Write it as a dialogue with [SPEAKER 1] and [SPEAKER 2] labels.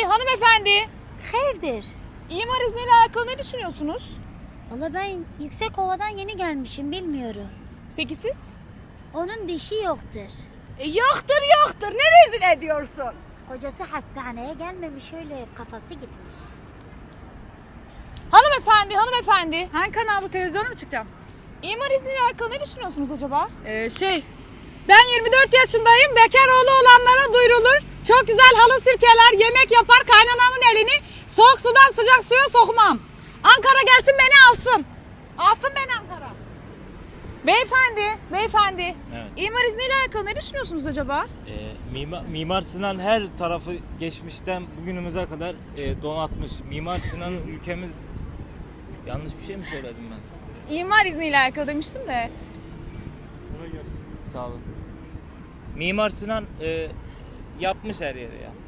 [SPEAKER 1] hanımefendi.
[SPEAKER 2] Hayırdır?
[SPEAKER 1] İmar izniyle alakalı ne düşünüyorsunuz?
[SPEAKER 2] Valla ben Yüksekova'dan yeni gelmişim, bilmiyorum.
[SPEAKER 1] Peki siz?
[SPEAKER 2] Onun dişi yoktur.
[SPEAKER 3] Yoktur. Ne rezil ediyorsun?
[SPEAKER 2] Kocası hastaneye gelmemiş, öyle kafası gitmiş.
[SPEAKER 1] Hanımefendi.
[SPEAKER 4] Hangi kanal, bu televizyona mı çıkacağım?
[SPEAKER 1] İmar izniyle alakalı ne düşünüyorsunuz acaba?
[SPEAKER 4] Ben 24 yaşındayım. Bekar oğlu olanlara duyurulur. Çok güzel halı sirkeler, yemek yapar, kaynanamın elini soğuk sudan sıcak suya sokmam. Ankara gelsin beni alsın. Alsın beni Ankara.
[SPEAKER 1] Beyefendi.
[SPEAKER 5] Evet.
[SPEAKER 1] İmar izniyle alakalı ne düşünüyorsunuz acaba?
[SPEAKER 5] Mimar Sinan her tarafı geçmişten bugünümüze kadar donatmış. Mimar Sinan ülkemiz... Yanlış bir şey mi söyledim ben?
[SPEAKER 1] İmar izniyle alakalı demiştim de.
[SPEAKER 5] Sağ olun. Mimar Sinan yapmış her yeri ya.